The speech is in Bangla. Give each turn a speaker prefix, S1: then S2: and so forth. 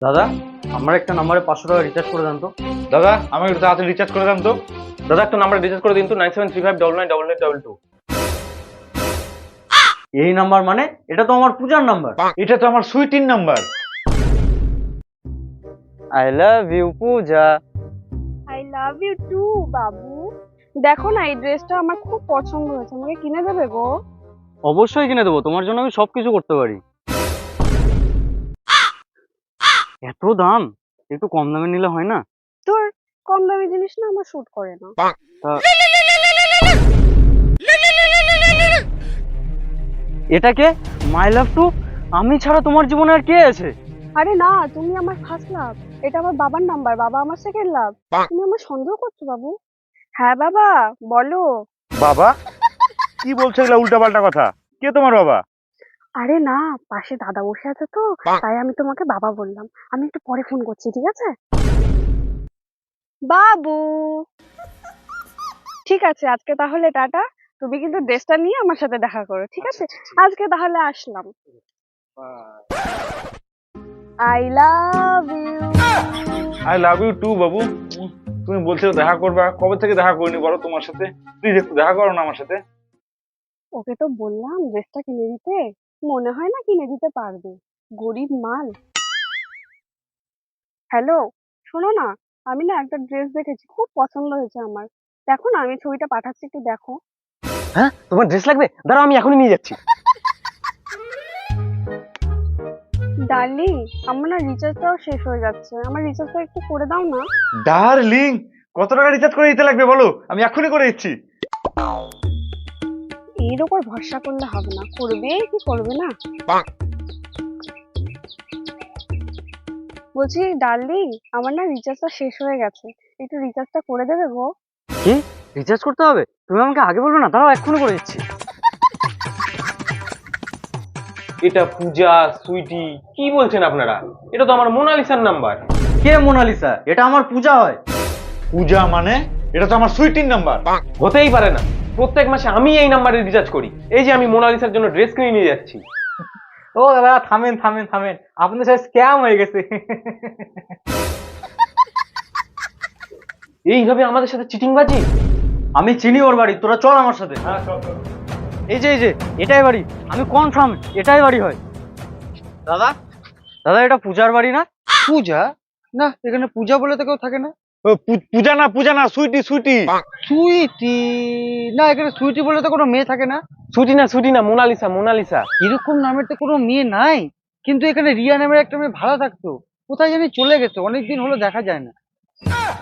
S1: দাদা, আমার একটা নাম্বারে 500 টাকা রিচার্জ করে দেন তো।
S2: দাদা আমাকে একটু তাড়াতাড়ি রিচার্জ করে দেন তো।
S3: দাদা একটা নাম্বার রিচার্জ করে দিন তো 9735999922।
S1: এই নাম্বার মানে? এটা তো আমার পূজার নাম্বার।
S2: এটা তো আমার সুইটির number.
S1: I love you Puja.
S4: I love you too বাবু। দেখো না, এই ড্রেসটা আমার খুব পছন্দ হয়েছে, আমাকে কিনে দেবে গো?
S1: অবশ্যই কিনে দেবো, তোমার জন্য আমি সবকিছু করতে পারি। এত দাম, একটু কম দামে নিলে হয় না?
S4: তোর কম দামি জিনিস না আমার শুট করে না।
S1: এটাকে মাই লাভ টু, আমি ছাড়া তোমার জীবনে আর কে আছে?
S4: আরে না, তুমি আমার ফার্স্ট লাভ, এটা আমার বাবার নাম্বার, বাবা আমার সেকেন্ড লাভ। তুমি আমার সন্দেহ করছো বাবু? হ্যাঁ বাবা, বলো।
S2: বাবা? কি বলছো এগুলা উল্টাপাল্টা কথা? কে তোমার বাবা?
S4: আরে না, পাশে দাদা বসে আছে তো, তাই আমি তোমাকে বাবা বললাম। আমি একটু পরে ফোন করছি, ঠিক আছে বাবু? ঠিক আছে, আজকে তাহলে টাটা। তুমি কিন্তু ড্রেসটা নিয়ে আমার সাথে দেখা করো, ঠিক আছে? আজকে তাহলে আসলাম। I love you.
S2: I love you too বাবু। তুমি বলছিলে দেখা করবা, কবে থেকে দেখা করিনি বলো তোমার সাথে? প্লিজ একটু দেখা করো না আমার সাথে।
S4: ওকে তো বললাম ড্রেসটা কিনে দিতে, মনে হয় না কিনে দিতে পারবে, গরিব মাল। হ্যালো, শোনো না, আমি না একটা ড্রেস দেখেছি, খুব পছন্দ হয়েছে আমার। দেখো না, আমি ছবিটা পাঠাচ্ছি, একটু দেখো।
S3: হ্যাঁ তোমার ড্রেস লাগবে? দাঁড়াও আমি এখনই নিয়ে যাচ্ছি।
S4: ডার্লিং, আমার না রিচার্জটাও শেষ হয়ে যাচ্ছে, আমার রিচার্জটা একটু করে দাও না।
S2: ডার্লিং, কত টাকা রিচার্জ করে দিতে লাগবে বলো, আমি এখনই করে দিচ্ছি।
S4: এর ওপর ভরসা করলে হবে না, করবে কি করবে না। বলছি ডার্লিং, আমার না রিচার্জটা শেষ হয়ে গেছে, একটু রিচার্জটা করে দেবে গো?
S1: কি, রিচার্জ করতে হবে? তুমি আমাকে আগে বলবে না? দাঁড়াও, এক্ষুনি করে দিচ্ছি।
S3: এটা পূজা সুইটি কি বলছেন আপনারা? এটা তো আমার মোনালিসার নাম্বার।
S1: কে মোনালিসা? এটা আমার পূজা হয়।
S2: পূজা মানে? এটা তো আমার সুইটির নাম্বার।
S3: হতেই পারে না, প্রত্যেক মাসে আমি এই নাম্বারে রিচার্জ করি। এই যে আমি মোনালিসার জন্য ড্রেস কিনে নিয়ে যাচ্ছি।
S1: ও দাদা, থামেন থামেন থামেন, আপনাদের সাথে স্ক্যাম হয়ে গেছে।
S3: এইভাবে আমাদের সাথে চিটিংবাজি?
S1: আমি চিনি ওর বাড়ি, তোরা চল আমার সাথে। এই যে এটাই বাড়ি, আমি কনফার্ম এটাই বাড়ি হয়। দাদা, দাদা এটা পূজার বাড়ি না?
S5: পূজা? না, এখানে পূজা বলে তো কেউ থাকে না।
S2: ও, পূজা না, সুইটি সুইটি।
S5: সুইটি? না, এখানে সুইটি বলে তো কোনো মেয়ে থাকে না।
S3: ছুটি না, মোনালিসা মোনালিসা।
S5: এরকম নামের তো কোনো মেয়ে নাই, কিন্তু এখানে রিয়া নামের একটা মেয়ে ভালো থাকতো, কোথায় জানি চলে গেছে, অনেকদিন হলো দেখা যায় না।